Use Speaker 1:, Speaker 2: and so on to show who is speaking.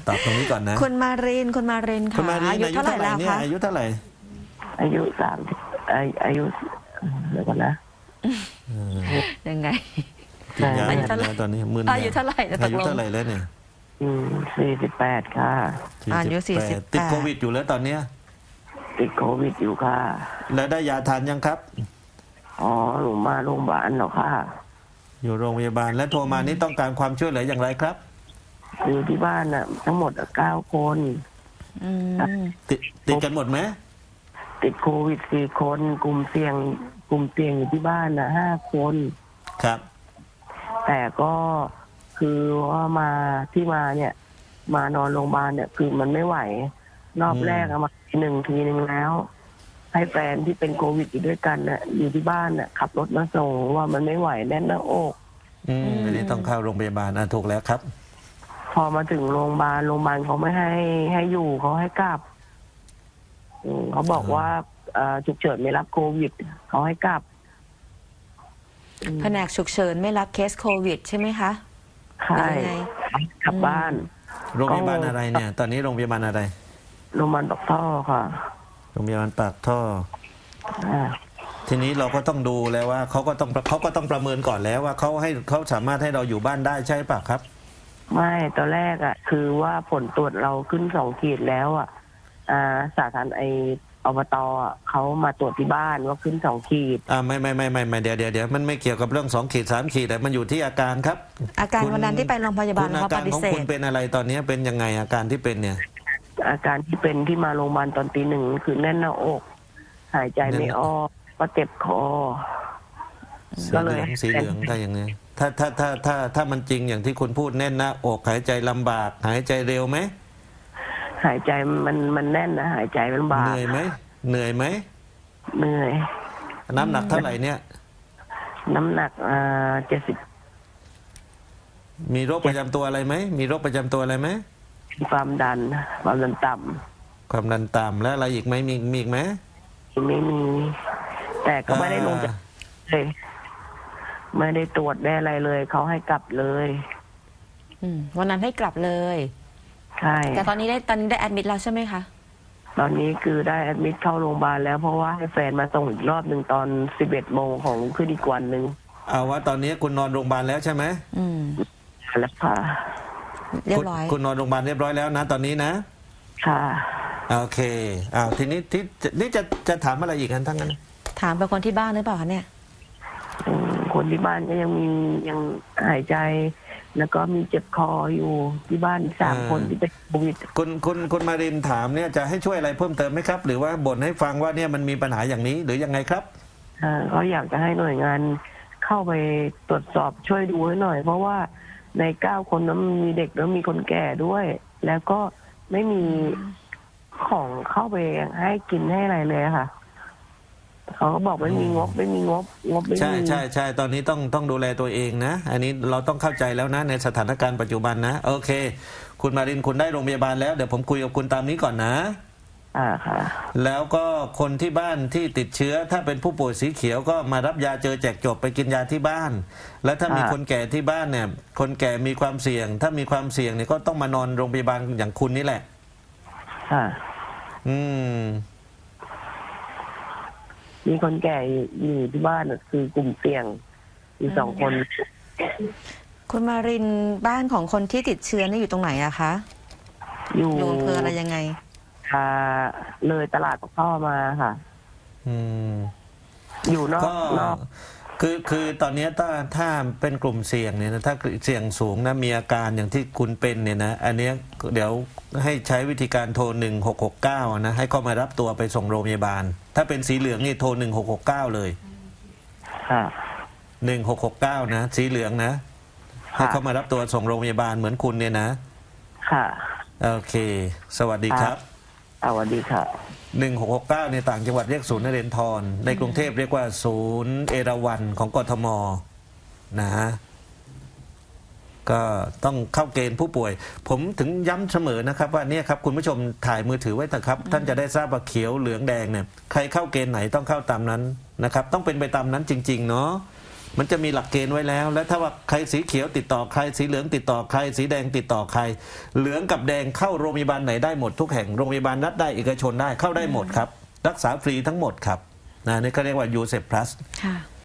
Speaker 1: ตอบตรงนี้ก่อนนะ
Speaker 2: คุณมารินค่ะอายุเท่าไหร่แล้วคะ
Speaker 1: อายุเท่าไหร่
Speaker 3: อายุ30อายุเดี๋ยวก่อนนะ
Speaker 2: ยังไง
Speaker 1: กินยาหมดแล้วตอนนี้มึน
Speaker 2: อายุเท่าไหร่
Speaker 1: อายุเท่าไหร่แล้วเนี่ย
Speaker 3: 48ค่ะ
Speaker 2: อายุ
Speaker 1: ติดโควิดอยู่แล้วตอนเนี้ย
Speaker 3: ติดโควิดอยู่ค่ะ
Speaker 1: แล้วได้ยาทานยังครับ
Speaker 3: อ๋อหนูมาโรงพยาบาลหรอค่ะ
Speaker 1: อยู่โรงพยาบาลและโทรมานี่ต้องการความช่วยเหลืออย่างไรครับ
Speaker 3: อยู่ที่บ้านน่ะทั้งหมด9 คน
Speaker 1: ติดกันหมดไหม
Speaker 3: ติดโควิด4 คนกลุ่มเสี่ยงอยู่ที่บ้านน่ะ5 คน
Speaker 1: ครับ
Speaker 3: แต่ก็คือว่าที่มาเนี่ยมานอนโรงพยาบาลเนี่ยคือมันไม่ไหวรอบแรกมาทีหนึ่งแล้วให้แฟนที่เป็นโควิดอยู่ด้วยกันน่ะอยู่ที่บ้านน่ะขับรถมาส่งว่ามันไม่ไหวแน่นหน้าอก
Speaker 1: อันนี้ต้องเข้าโรงพยาบาลถูกแล้วครับ
Speaker 3: พอมาถึงโรงพยาบาลเขาไม่ให้อยู่เขาให้กลับเขาบอกว่าฉุกเฉินไม่รับโควิดเขาให้กลับ
Speaker 2: แผนกฉุกเฉินไม่รับเคสโควิดใช่ไหมคะ
Speaker 3: ใช่กลับบ้าน
Speaker 1: โรงพยาบาลอะไรเนี่ยตอนนี้โรงพยาบาลอะไร
Speaker 3: โรงพยาบาลปากท่อค่ะ
Speaker 1: โรงพยาบาลปากท่อทีนี้เราก็ต้องดูแล้วว่าเขาก็ต้องประเมินก่อนแล้วว่าเขาสามารถให้เราอยู่บ้านได้ใช่ป่ะครับ
Speaker 3: ไม่ตอนแรกคือว่าผลตรวจเราขึ้น2 ขีดแล้วสาธารณอบตเขามาตรวจที่บ้านว่าขึ้น2 ขีด
Speaker 1: ไม่เดี๋ยวมันไม่เกี่ยวกับเรื่อง2 ขีด3 ขีดแต่มันอยู่ที่อาการครับ
Speaker 2: อาการวันนั้นที่ไปโรงพยาบาลเขาปฏิเสธ
Speaker 1: คุณเป็นอะไรตอนนี้เป็นยังไงอาการที่เป็นเนี่ย
Speaker 3: อาการที่เป็นที่มาโรงพยาบาลตอนตี 1คือแน่นหน้าอกหายใจไม่ออกก็เจ็บคอ
Speaker 1: ก็เลยสีเหลืองได้อย่างนี้ถ้ามันจริงอย่างที่คุณพูดแน่นหน้าอกหายใจลำบากหายใจเร็วไหม
Speaker 3: หายใจมันแน่นนะหายใจลำบาก
Speaker 1: เหนื่อยไหมเหนื่อยน้ำหนักเท่าไหร่เนี่ย
Speaker 3: น้ำหนัก70
Speaker 1: มีโรคประจำตัวอะไรไหมมีโรคประจำตัวอะไรไหม
Speaker 3: ความดันต่ำ
Speaker 1: ความดันต่ำแล้วอะไรอีกไหมมีอีกไหม
Speaker 3: ไม่มีแต่ก็ไม่ได้ลงจากเลยไม่ได้ตรวจได้อะไรเลยเขาให้กลับเลย
Speaker 2: วันนั้นให้กลับเลย
Speaker 3: ใช่
Speaker 2: แต่ตอนนี้ได้แอดมิดแล้วใช่ไหมคะ
Speaker 3: ตอนนี้คือได้แอดมิดเข้าโรงพยาบาลแล้วเพราะว่าให้แฟนมาส่งอีกรอบหนึ่งตอน11 โมงของขึ้นอีกวันหนึ่ง
Speaker 1: เอาว่าตอนนี้คุณนอนโรงพยาบาลแล้วใช่ไหม
Speaker 3: แล้วค่ะ
Speaker 2: เรียบร้อย
Speaker 1: คุณนอนโรงพยาบาลเรียบร้อยแล้วนะตอนนี้นะ
Speaker 3: ค่ะ
Speaker 1: โอเคทีนี้นี่จะถามอะไรอีกกันทั้งนั้น
Speaker 2: ถามไปคนที่บ้านหรือเปล่าคะเนี่ย
Speaker 3: คนที่บ้านก็ยังหายใจแล้วก็มีเจ็บคออยู่ที่บ้าน3 คนที่เป็นโควิด
Speaker 1: คุณมารินถามเนี่ยจะให้ช่วยอะไรเพิ่มเติมไหมครับหรือว่าบ่นให้ฟังว่าเนี่ยมันมีปัญหาอย่างนี้หรือยังไงครับ
Speaker 3: เขาอยากจะให้หน่วยงานเข้าไปตรวจสอบช่วยดูให้หน่อยเพราะว่าใน9 คนนั้นมีเด็กแล้วมีคนแก่ด้วยแล้วก็ไม่มีของเข้าไปให้กินให้อะไรเลยค่ะเขาก็บอกไม่มีงบไม่มี
Speaker 1: ใช่ตอนนี้ต้องดูแลตัวเองนะอันนี้เราต้องเข้าใจแล้วนะในสถานการณ์ปัจจุบันนะโอเคคุณมารินคุณได้โรงพยาบาลแล้วเดี๋ยวผมคุยกับคุณตามนี้ก่อนนะ
Speaker 3: ค่ะ
Speaker 1: แล้วก็คนที่บ้านที่ติดเชื้อถ้าเป็นผู้ป่วยสีเขียวก็มารับยาเจอแจกจบไปกินยาที่บ้านแล้วถ้ามีคนแก่ที่บ้านเนี่ยคนแก่มีความเสี่ยงถ้ามีความเสี่ยงเนี่ยก็ต้องมานอนโรงพยาบาลอย่างคุณนี่แหละ
Speaker 3: มีคนแก่อยู่ที่บ้านคือกลุ่มเสี่ยงมี2 คน
Speaker 2: คุณมารินบ้านของคนที่ติดเชื้อนี่อยู่ตรงไหนอะคะอยู่อำเภออะไรยังไง
Speaker 3: เลยตลาดปากท่อมาค่ะอยู่นอก
Speaker 1: คือตอนนี้ถ้าเป็นกลุ่มเสี่ยงเนี่ยนะถ้าเสี่ยงสูงนะมีอาการอย่างที่คุณเป็นเนี่ยนะอันนี้เดี๋ยวให้ใช้วิธีการโทร1669นะให้เข้ามารับตัวไปส่งโรงพยาบาลถ้าเป็นสีเหลืองนี่โทร1669เลย1669นะสีเหลืองนะให้เข้ามารับตัวส่งโรงพยาบาลเหมือนคุณเนี่ยนะ
Speaker 3: ค่ะ
Speaker 1: โอเคสวัสดีครับ
Speaker 3: สวัสดีค่ะ
Speaker 1: 1669ในต่างจังหวัดเรียกศูนย์นเรนทรในกรุงเทพเรียกว่าศูนย์เอราวัณของกทมนะก็ต้องเข้าเกณฑ์ผู้ป่วยผมถึงย้ำเสมอนะครับว่าเนี่ยครับคุณผู้ชมถ่ายมือถือไว้เถอะครับท่านจะได้ทราบว่าเขียวเหลืองแดงเนี่ยใครเข้าเกณฑ์ไหนต้องเข้าตามนั้นนะครับต้องเป็นไปตามนั้นจริงๆเนาะมันจะมีหลักเกณฑ์ไว้แล้ว และถ้าว่าใครสีเขียวติดต่อใครสีเหลืองติดต่อใครสีแดงติดต่อใคร เหลืองกับแดงเข้าโรงพยาบาลไหนได้หมดทุกแห่งโรงพยาบาลรัฐได้เอกชนได้เข้าได้หมดครับรักษาฟรีทั้งหมดครับนี่เขาเรียกว่ายูเซปพลัส
Speaker 2: ค่ะ